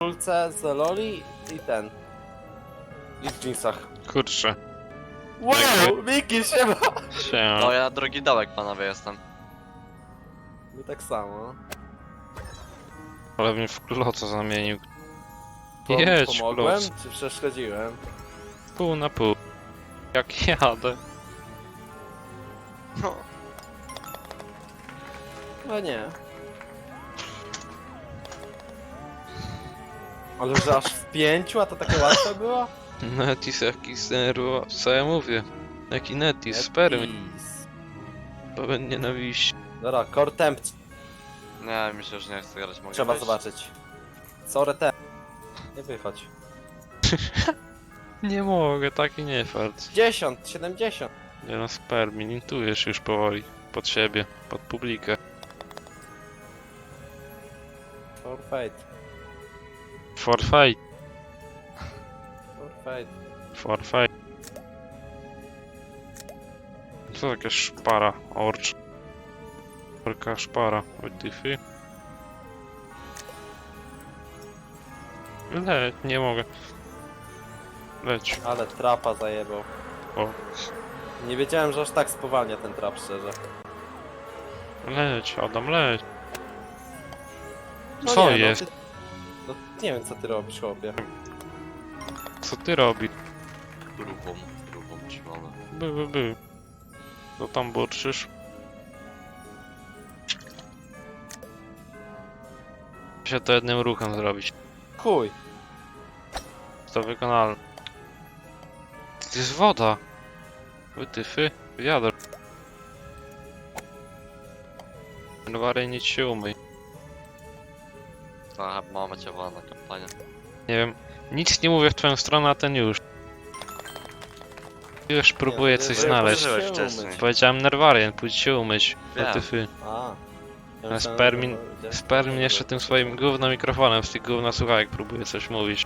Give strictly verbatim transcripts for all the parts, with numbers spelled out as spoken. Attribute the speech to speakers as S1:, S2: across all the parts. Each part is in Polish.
S1: koszulce z Loli i ten. I w jeansach.
S2: Kurczę.
S1: Wow, Miki, siema!
S2: Się.
S3: No ja drogi dołek panowie jestem.
S1: My tak samo.
S2: Ale mnie w kloca zamienił.
S1: Pom
S2: Jedź,
S1: pomogłem,
S2: kloc.
S1: czy przeszkodziłem?
S2: Pół na pół. Jak jadę.
S3: No.
S1: No nie. Ale że aż w pięciu, a to takie łatwe było?
S2: Netis jaki zerwa. Co ja mówię? Jaki Netis, spermy.
S1: Epis.
S2: Pełen nienawiści.
S1: Dobra, core temp
S3: Nie, myślę, że nie chcę grać. Mogę
S1: trzeba
S3: wyjść?
S1: zobaczyć. Sorry temp. Nie wychodź.
S2: Nie mogę, taki nie fart.
S1: dziesięć, siedemdziesiąt.
S2: Nie no, spermi, lintujesz już powoli. Pod siebie, pod publikę.
S1: For fate.
S2: For fight,
S1: For fate.
S2: for fight. Co taka szpara, orcz. Orka szpara, wytyfy. Leć, nie mogę. Leć.
S1: Ale trapa zajebał.
S2: O.
S1: Nie wiedziałem, że aż tak spowalnia ten trap, szczerze.
S2: Leć, Adam, leć.
S1: No
S2: Co
S1: nie,
S2: jest?
S1: No, ty... no, nie wiem, co ty robisz, chłopie.
S2: Co ty robisz?
S3: Grubą, grubą trzymamy.
S2: By, by, by. Co tam burczysz? Się to jednym ruchem zrobić.
S1: Chuj.
S2: To wykonalne. To jest woda. Wytyfy, wiadro. Gwary nic się umyj.
S3: Trochę mamy cię wolna kampania.
S2: Nie wiem, nic nie mówię w twoją stronę, a ten już. Już próbuję
S1: Nie,
S2: coś
S1: nie,
S2: znaleźć.
S3: Użyłeś
S1: się
S3: wcześniej.
S1: umyć.
S2: Powiedziałem Nerwarian, pójdź się umyć.
S3: Wiem.
S2: Wytyfy.
S1: A. Ja
S2: Na
S1: myślałem,
S2: spermin,
S1: że to-
S2: spermin jeszcze tym swoim gówno mikrofonem z tych gówna słuchawek próbuje coś mówić.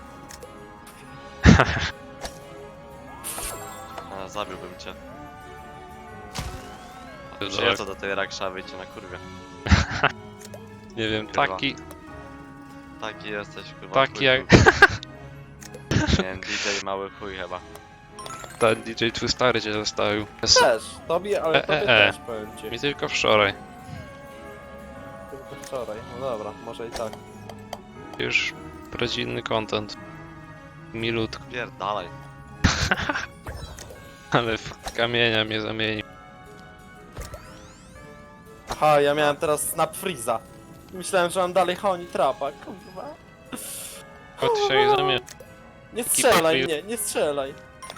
S3: A, zabiłbym cię.
S2: Tak.
S3: Przyjadę do tej rakszawy i cię na kurwie.
S2: Nie wiem,
S3: Kurwa.
S2: taki,
S3: Taki jesteś kurwa.
S2: taki
S3: chuj,
S2: jak
S3: kurwa. Nie wiem, D J mały chuj chyba.
S2: ten D J twój stary cię zostawił.
S1: Też, tobie, ale
S2: E,
S1: tobie
S2: e, e.
S1: też, powiem ci.
S2: Mi tylko wczoraj.
S1: Tylko wczoraj. No dobra, może i tak.
S2: Już rodzinny content. Milutko,
S3: Pierdalaj.
S2: ale w kamienia mnie zamienił.
S1: Aha, ja miałem teraz snap freeza. Myślałem, że mam dalej honi trapa, kurwa.
S2: Kot się jej zamienił.
S1: Nie strzelaj
S2: Ekipa
S1: mnie, nie strzelaj.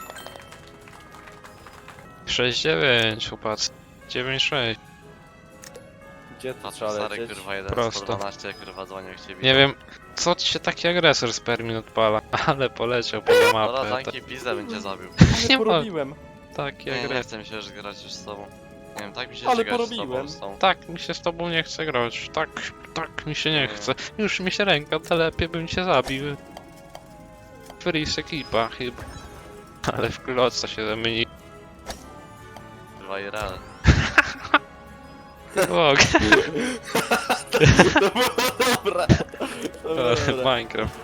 S2: sześć dziewięć, chłopacy. dziewięć sześć.
S1: Gdzie to
S3: A
S1: trzeba
S3: stary
S1: lecieć?
S3: kurwa jeden
S2: Prosto.
S3: sto dwanaście kurwa dzwonił ciebie.
S2: Nie wiem, co ci się taki agresor z permin odpala, ale poleciał po
S3: Dobra,
S2: mapę.
S3: tanki pizdę bym cię zabił.
S1: Ale
S2: Nie ma-
S1: porobiłem.
S2: Taki
S3: Nie, nie
S2: agresor.
S3: chcę mi się już grać już z tobą. Nie wiem, tak mi się
S1: Ale
S3: Ale grać z tobą,
S1: porobiłem.
S3: z tą.
S2: Tak, mi się z tobą nie chce grać. Tak, tak mi się nie
S3: Nie.
S2: chce. Już mi się ręka telepie, bym cię zabił. Freeze ekipa chyba. Ale w kloca się zamieni.
S3: Kurwa i real.
S2: Mogę.
S1: To było dobre. To było dobre.
S2: Minecraft.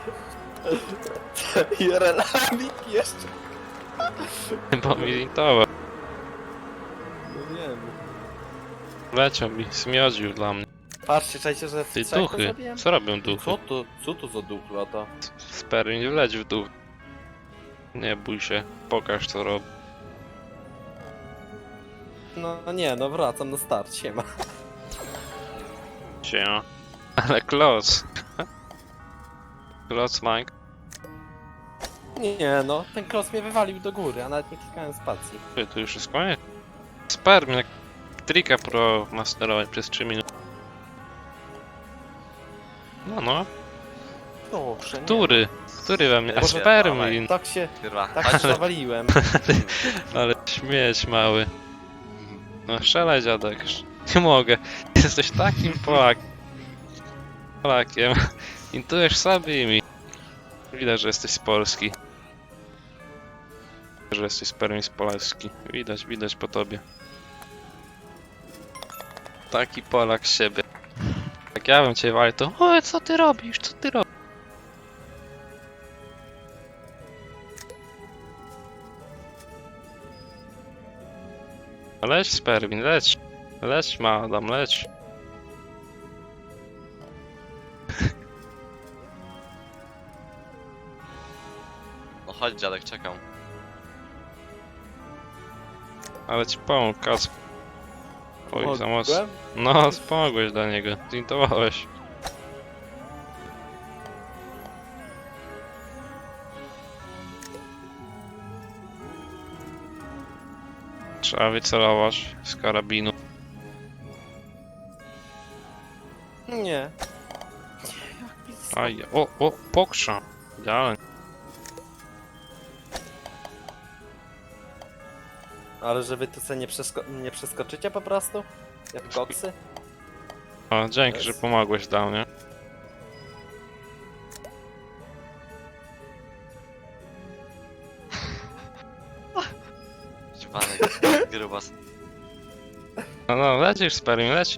S1: I relamik jeszcze.
S2: Bo mi zintował.
S1: No wiem.
S2: Leciał mi, smiodził dla mnie.
S1: Patrzcie, czajcie, że w
S2: Ty
S1: trzech
S2: duchy.
S1: zabiłem?
S2: Co robią duchy?
S1: Co to, co to za duch lata?
S2: Spermin wleć w duch. Nie bój się, pokaż co robi.
S1: No nie, no wracam na start, siema.
S2: Się. Ale kloc. Kloc Mike.
S1: Nie no, ten klos mnie wywalił do góry, a nawet nie klikałem spacji.
S2: Ty, to już jest koniec. Spermin, jak trika pro masterować przez trzy minuty. No no,
S1: Dobrze, nie.
S2: który? Który we mnie? A
S3: Boże,
S2: Spermin!
S1: Tak się,
S3: Kurwa.
S1: tak się zawaliłem.
S2: Ale śmieć mały. No strzelaj dziadek. Nie mogę. Jesteś takim Polak. Polakiem. Intujesz sabimi. Widać, że jesteś z Polski. Że jesteś Spermin z Polski. Widać, widać po tobie. Taki Polak z siebie. Jak ja bym cię walił, to oj, co ty robisz, co ty robisz? Leć, Spermin, leć. Leć, madam, leć.
S3: No chodź dziadek, czekam.
S2: Ale ci pomógł, Kac. Oj, za mocno.
S1: Mogłem?
S2: No, pomogłeś dla niego. Zintowałeś. Trzeba wycelować z karabinu.
S1: Nie.
S2: Aj, o, o, pokrza. Idealnie.
S1: Ale że wy tu sobie nie, przesko nie przeskoczycie po prostu? Jak koksy?
S2: O, dzięki, że
S1: Jest.
S2: pomogłeś dla mnie.
S3: Dziwanek, grubas.
S2: No, no, lecisz, Spermin, leć.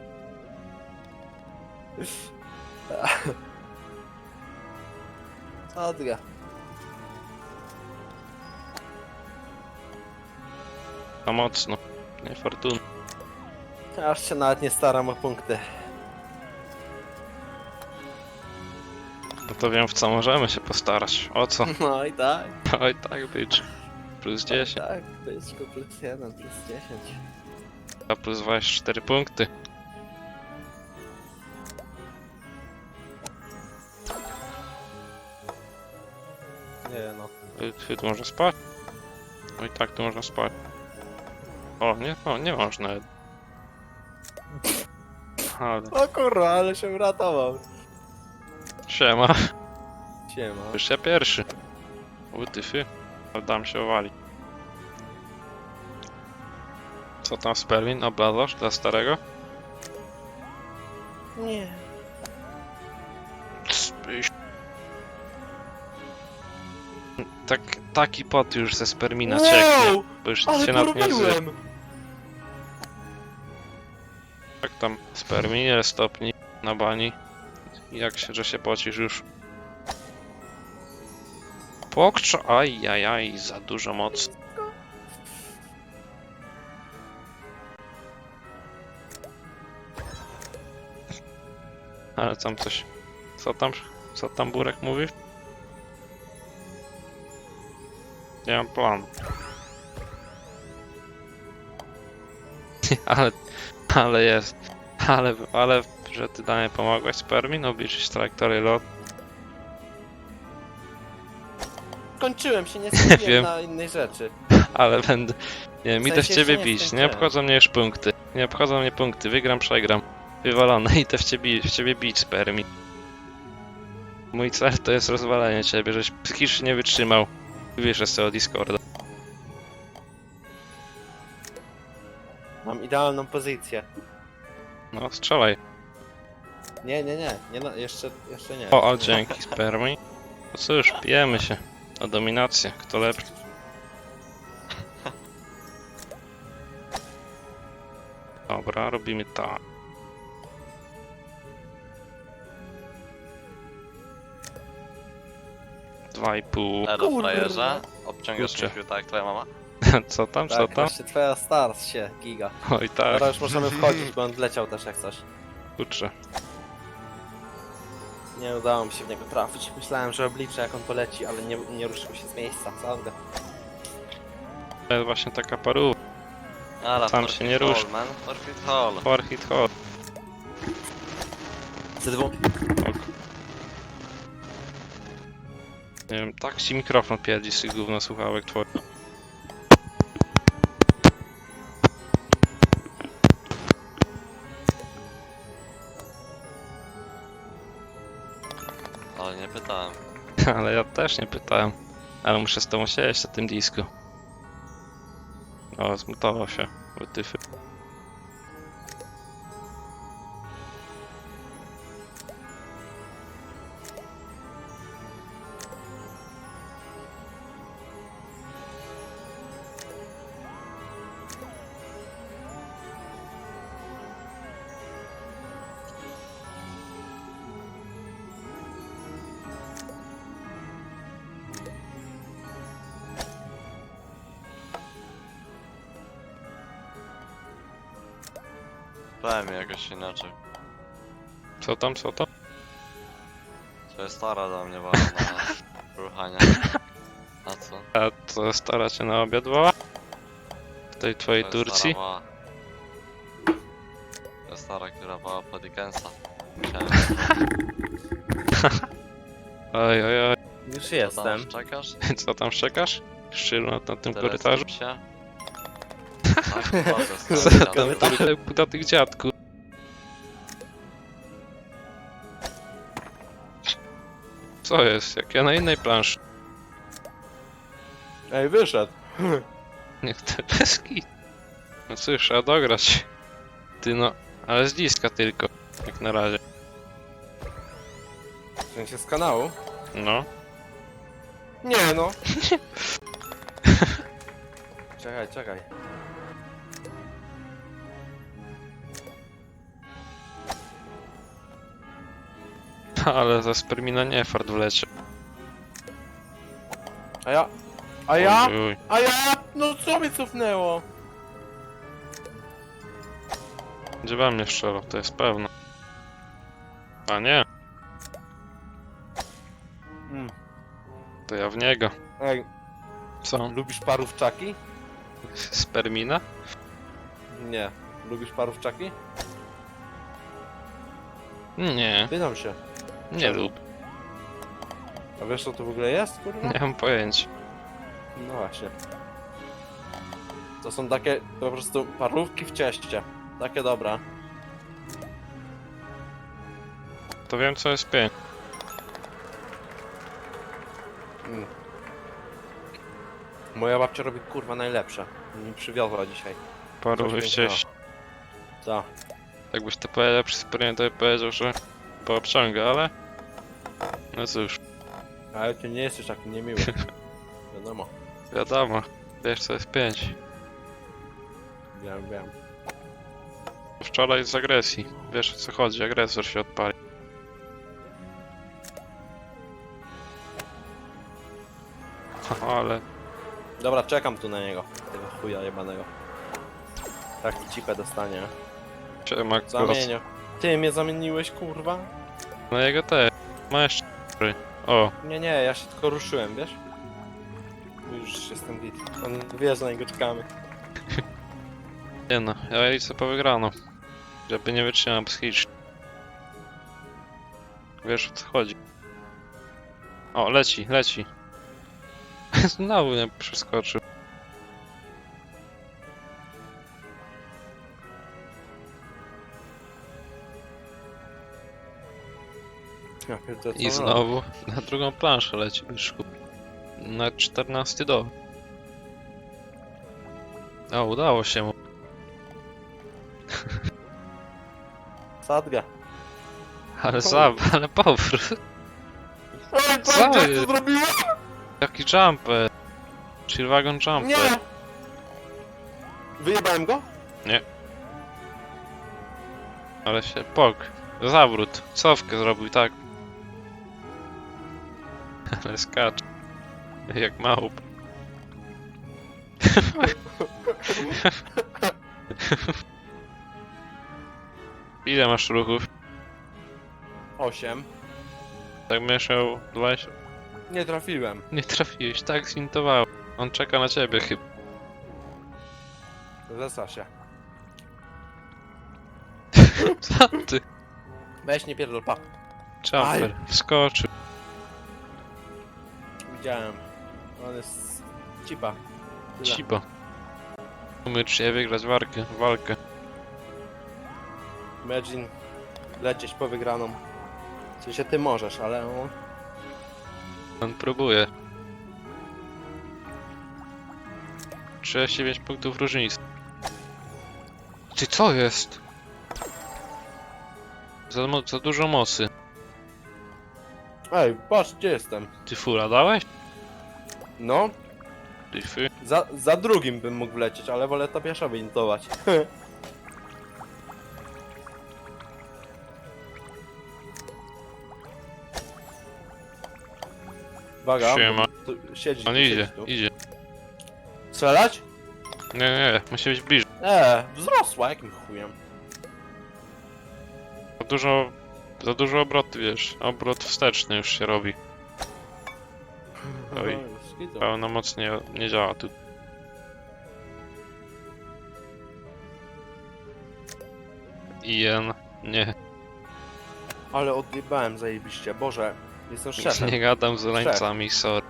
S1: Odga.
S2: Za mocno. Niefortunnie.
S1: Aż się nawet nie staram o punkty.
S2: No to wiem, w co możemy się postarać. O co?
S1: No i tak.
S2: Oj, tak być. Plus dziesięć,
S1: Tak, byczku plus jeden, plus dziesięć.
S2: a plus dwadzieścia cztery punkty.
S1: Nie no.
S2: Ty, ty tu można spać? No i tak tu można spać. O, nie, no, nie można. Ale,
S1: O kurwa, ale się uratował.
S2: siema.
S1: Siema.
S2: Już ja pierwszy. Utyfy. Dam się owali. Co tam, Spermin? Obladzasz dla starego?
S1: Nie.
S2: Spyś. Tak, taki pot już ze Spermina cieknie, bo już
S1: Ale
S2: się nad nie zje.
S1: porobiłem!
S2: Tak tam, Sperminie, stopni na bani. Jak się, że się pocisz już. Pokczo, aj, aj, aj, za dużo mocy. Ale tam coś, co tam, co tam Burek mówi? Nie mam planu. ale, ale jest, ale, ale, że ty dla mnie pomogłeś, Spermin, obliczyć trajektorię lot.
S1: Kończyłem się, nie
S2: wiem.
S1: skupiłem na innej rzeczy.
S2: Ale będę. Nie,
S1: W
S2: mi
S1: sensie
S2: też ciebie
S1: jeszcze nie
S2: bić. Nie
S1: skończyłem.
S2: obchodzą mnie już punkty. Nie obchodzą mnie punkty. Wygram, przegram. Wywalone i te w ciebie, w ciebie bić, Spermi. Mój cel to jest rozwalenie ciebie, żeś psychicznie nie wytrzymał. Wiesz z tego Discorda.
S1: Mam idealną pozycję.
S2: No, strzelaj.
S1: Nie, nie, nie, nie no, jeszcze, jeszcze nie.
S2: O, o, dzięki, Spermi. No cóż, pijemy się. O dominację. Kto lepszy? Dobra, robimy tak. Dwa i pół.
S3: Elo,
S1: Kurwa.
S3: frajerze. Obciągasz
S2: Kurczę.
S3: mnie tak jak twoja mama?
S2: Co tam, co
S1: Tak,
S2: tam?
S1: właśnie twoja start się, giga.
S2: Oj tak,
S1: Teraz już możemy wchodzić, bo on wleciał też jak coś.
S2: kurczę.
S1: Nie udało mi się w niego trafić. Myślałem, że obliczę jak on poleci, ale nie, nie ruszył się z miejsca, prawda?
S2: To jest właśnie taka paru.
S3: Ale
S2: Tam się nie rusz.
S3: man. Forfeit hall.
S2: Four hit hot.
S1: Z dwóch.
S2: Nie wiem, tak ci mikrofon pierdzi z tych gówno słuchałek twoich.
S3: Ale nie pytałem.
S2: Ale ja też nie pytałem. Ale muszę z tobą siedzieć na tym disku. O, zmutował się. Wytyfy.
S3: P M jakoś inaczej.
S2: Co tam, co tam?
S3: To jest stara do mnie była na ruchanie. A co?
S2: A to stara cię na obiad woła? W tej twojej
S3: To jest
S2: Turcji?
S3: stara woła. To jest stara, która woła po Dickensa. Musiałem.
S2: Oj, oj, oj.
S1: Już
S3: Co tam
S1: jestem.
S3: czekasz?
S2: Co tam szczekasz? Szczylu na, na tym
S3: Tyle
S2: korytarzu?
S3: skup się. Tak, bardzo
S2: Co
S3: stary
S2: tam,
S3: dziadek.
S2: ty puta tych dziadku? Co jest? Jak ja na innej planszy.
S1: Ej, wyszedł.
S2: Niech te peski. No cóż, trzeba dograć. Ty no, ale z bliska tylko. Jak na razie.
S1: W sensie z kanału?
S2: No.
S1: Nie no. Czekaj, czekaj.
S2: Ale za spermina nie fart wlecie.
S1: A ja? A ja?
S2: Oj, oj.
S1: A ja? No co mnie cofnęło?
S2: Będzie we mnie strzelał, to jest pewne. A nie,
S1: Mm.
S2: to ja w niego.
S1: Ej,
S2: Co?
S1: lubisz parówczaki?
S2: Spermina?
S1: Nie. Lubisz parówczaki?
S2: Nie,
S1: Pytam się.
S2: nie lub.
S1: A wiesz co to w ogóle jest, kurwa?
S2: Nie mam pojęcia.
S1: No właśnie. To są takie po prostu parówki w cieście. Takie dobra.
S2: To wiem co jest pięć.
S1: Mm. Moja babcia robi kurwa najlepsze. Mi przywiozła dzisiaj.
S2: Paru
S1: Coś
S2: wcześniej.
S1: Tak.
S2: Jakbyś to powiedział przy sperminie, to by powiedział, że poobciąga, ale... No cóż,
S1: Ale ty nie jesteś taki niemiły. Wiadomo.
S2: wiadomo. Wiesz co jest pięć.
S1: Wiem, wiem.
S2: Wczoraj z agresji. Wiesz o co chodzi, agresor się odpali. Ale
S1: Dobra, czekam tu na niego. Tego chuja jebanego. Tak cipę dostanie.
S2: siema głos.
S1: Zamienię. Ty mnie zamieniłeś, kurwa?
S2: No jego też. Ma jeszcze cztery. O,
S1: Nie, nie, ja się tylko ruszyłem, wiesz? Już jestem git. On wie, że na niego czekamy.
S2: nie no, ja idę po wygraną. Żeby nie wytrzymał psychicznie. Wiesz o co chodzi. O, leci, leci. Znowu mnie przeskoczył.
S1: Ja pierdolę, co
S2: I
S1: on
S2: znowu na drugą planszę leci byszku. Na czternasty do. O, udało się mu.
S1: robi? Sadga.
S2: Ale zab, ale powrót.
S1: Oj,
S2: Co
S1: patrz, jak
S2: jest?
S1: to zrobiłem?
S2: Jaki jumper. Chillwagon jumper.
S1: Nie! Wyjebałem go?
S2: Ale się pok. Zawrót. Cofkę zrobił tak. Ale skacz. Jak małp. Ile masz ruchów?
S1: Osiem.
S2: Tak mieszał dwadzieścia.
S1: Nie trafiłem.
S2: Nie trafiłeś, tak zintowało. On czeka na ciebie chyba.
S1: Zesa się.
S2: Co ty?
S1: Weź nie pierdol, pa.
S2: Jumper. Wskoczył.
S1: Widziałem. On jest cipa. Tyle.
S2: Cibo. Umiesz się wygrać walkę. walkę.
S1: Imagine lecieć po wygraną. W sensie ty możesz, ale on...
S2: On próbuje. trzydzieści dziewięć punktów różnicy. Ty co jest? Za, mo- za dużo mocy.
S1: Ej, patrz gdzie jestem.
S2: Ty fura dałeś?
S1: No,
S2: Ty fy.
S1: za, za drugim bym mógł wlecieć, ale wolę to pieszo wyintować. Uwaga,
S2: Siema.
S1: tu siedzi,
S2: On
S1: tu
S2: idzie,
S1: siedzi tu.
S2: idzie.
S1: Strzelać?
S2: Nie, nie, musi być bliżej.
S1: Eee, wzrosła, jakim chujem.
S2: Dużo, za dużo obrotu, wiesz, obrot wsteczny już się robi. Oj.
S1: Skitu.
S2: Pełna moc nie, nie działa tu. Ian, nie,
S1: Ale odjebałem zajebiście, Boże. Jestem szefem.
S2: nie gadam z Olańcami, sorry.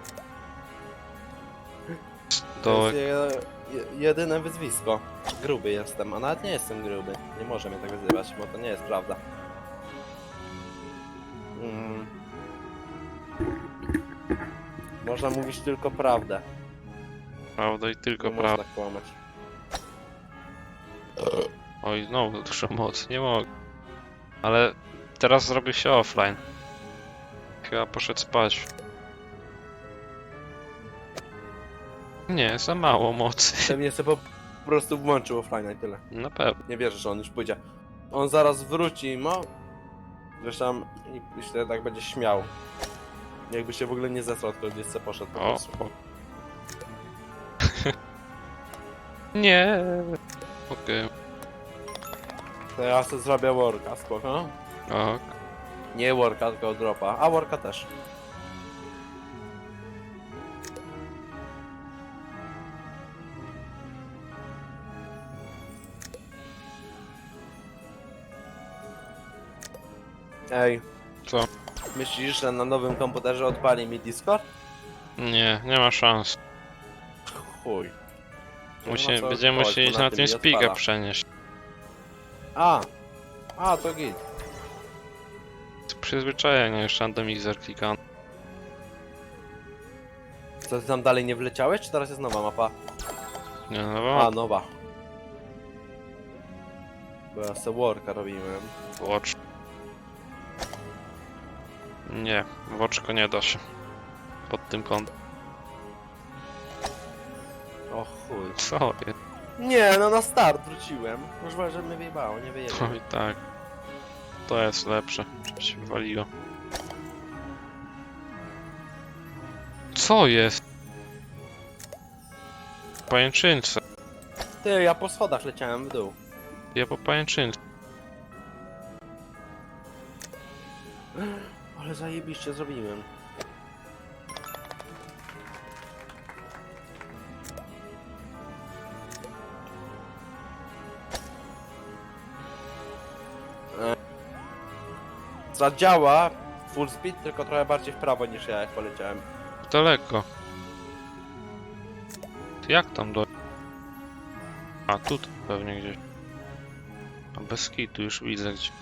S2: To
S1: To jest je, je, jedyne wyzwisko. Gruby jestem, a nawet nie jestem gruby. Nie może mnie tak wyzywać, bo to nie jest prawda. Mm. Można mówić tylko prawdę.
S2: prawda i tylko
S1: Nie
S2: prawda.
S1: można kłamać.
S2: Oj, znowu dużo mocy, nie mogę. Ale teraz zrobię się offline. Chyba poszedł spać. Nie, za mało mocy.
S1: Pewnie sobie po prostu włączył offline i tyle.
S2: Na pewno.
S1: Nie wierzę, że on już pójdzie. On zaraz wróci, no. Zresztą i myślę, że tak będzie śmiał. Jakby się w ogóle nie zesrał, tylko gdzieś sobie poszedł po
S2: O,
S1: prostu.
S2: o. Nie. Okej.
S1: To ja sobie zrobię worka, spoko.
S2: Ok.
S1: Nie worka, tylko dropa. A worka też. Ej.
S2: Co?
S1: Myślisz, że na nowym komputerze odpali mi Discord?
S2: Nie, nie ma szans.
S1: Chuj. Nie
S2: Musi,
S1: ma co
S2: będziemy
S1: odpalać,
S2: musieli
S1: bo
S2: na
S1: tym
S2: tym
S1: nie
S2: spiga
S1: odpala.
S2: przenieść.
S1: A! A, to git.
S2: Z przyzwyczajenia jeszcze randomizer klikam.
S1: Co, ty tam dalej nie wleciałeś, czy teraz jest nowa mapa?
S2: Nie, no
S1: A,
S2: bo
S1: nowa. Bo ja se worka robiłem.
S2: Watch. Nie, w oczko nie da się. Pod tym kątem.
S1: O chuj.
S2: Co jest?
S1: Nie, no na start wróciłem. Może że mnie wyjebało, nie wyjebało.
S2: Oj tak. To jest lepsze. Żeby się wywaliło. Co jest? Pajęczynce.
S1: Ty, ja po schodach leciałem w dół.
S2: Ja po pajęczynce.
S1: Ale zajebiście zrobiłem. E, Zadziała full speed, tylko trochę bardziej w prawo niż ja jak poleciałem.
S2: Daleko. Ty jak tam do... A, tu pewnie gdzieś. A bez kitu już widzę gdzie.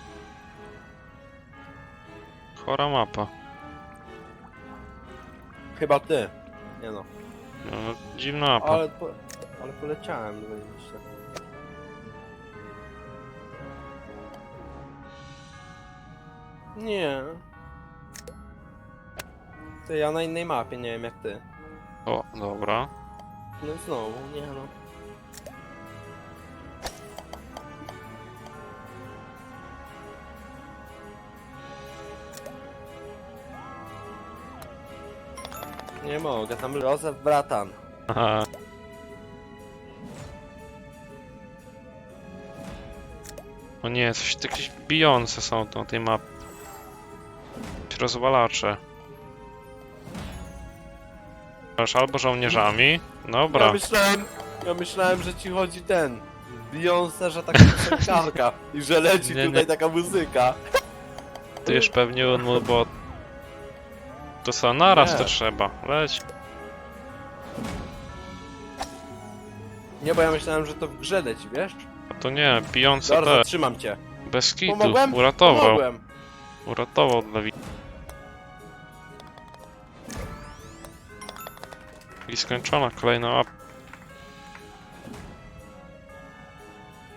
S2: Chora mapa.
S1: Chyba ty. Nie no.
S2: No, dziwna mapa.
S1: Ale, po, ale poleciałem zajebiście. Nie. Ty, ja na innej mapie, nie wiem jak ty.
S2: O, dobra.
S1: No znowu, nie no. Nie mogę, tam Józef bratan.
S2: Aha. O nie, coś jakieś bijące są tu na tej mapie. Jakieś rozwalacze. Masz albo żołnierzami.
S1: Ja
S2: Dobra.
S1: myślałem, ja myślałem, że ci chodzi ten. Beyoncé, że taka piosenkarka i że leci
S2: Nie,
S1: tutaj
S2: nie.
S1: taka muzyka.
S2: Ty już pewnie unmul, bo... To co, naraz
S1: Nie.
S2: to trzeba. Leć.
S1: Nie, bo ja myślałem, że to w grze leci, wiesz?
S2: A to nie, bijące
S1: Dobra,
S2: te.
S1: zatrzymam cię.
S2: Bez kitu.
S1: Pomogłem?
S2: Uratował.
S1: Pomogłem.
S2: Uratował dla wi... I skończona kolejna mapa.